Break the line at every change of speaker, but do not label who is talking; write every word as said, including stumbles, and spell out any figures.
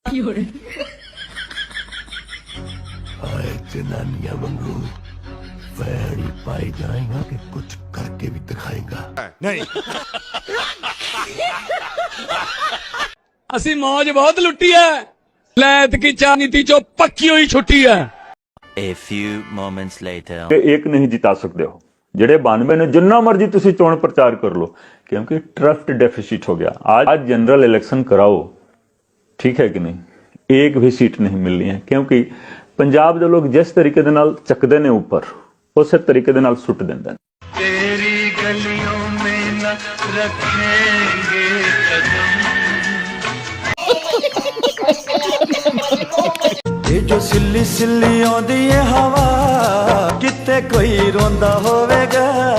आए जनानियां वांगू वैड़ी पाई जाएगा कि कुछ करके भी दिखाएगा। नहीं
ਅਸੀਂ ਮੌਜ ਬਹੁਤ ਲੁੱਟੀ ਹੈ, ਲੈਤ ਕੀ ਚਾਨੀਤੀ ਚੋਂ ਪੱਕੀ ਹੋਈ ਛੁੱਟੀ ਹੈ।
A few moments later.
ਇੱਕ ਨਹੀਂ ਜਿਤਾ ਸਕਦੇ ਹੋ, ਜਿਹੜੇ ਬਾਨਵੇਂ ਨੇ ਜਿੰਨਾ ਮਰਜੀ ਤੁਸੀਂ ਚੋਣ ਪ੍ਰਚਾਰ ਕਰ ਲਓ, ਕਿਉਂਕਿ ट्रस्ट डेफिसिट हो गया। आज आज जनरल इलेक्शन कराओ, ठीक है कि नहीं, एक भी सीट नहीं मिलनी है, क्योंकि पंजाब ਦੇ ਲੋਕ जिस तरीके ਦੇ ਨਾਲ ਚੱਕਦੇ ਨੇ ਉੱਪਰ, ਉਸੇ ਤਰੀਕੇ ਦੇ ਨਾਲ ਸੁੱਟ ਦਿੰਦੇ ਨੇ।
तेरी गलियों में न रखेंगे कदम।
ਇਹ ਜੋ ਸਿੱਲੀ ਸਿੱਲੀ ਆਉਂਦੀ ਏ ਹਵਾ, ਕਿਤੇ ਕੋਈ ਰੋਂਦਾ ਹੋਵੇਗਾ।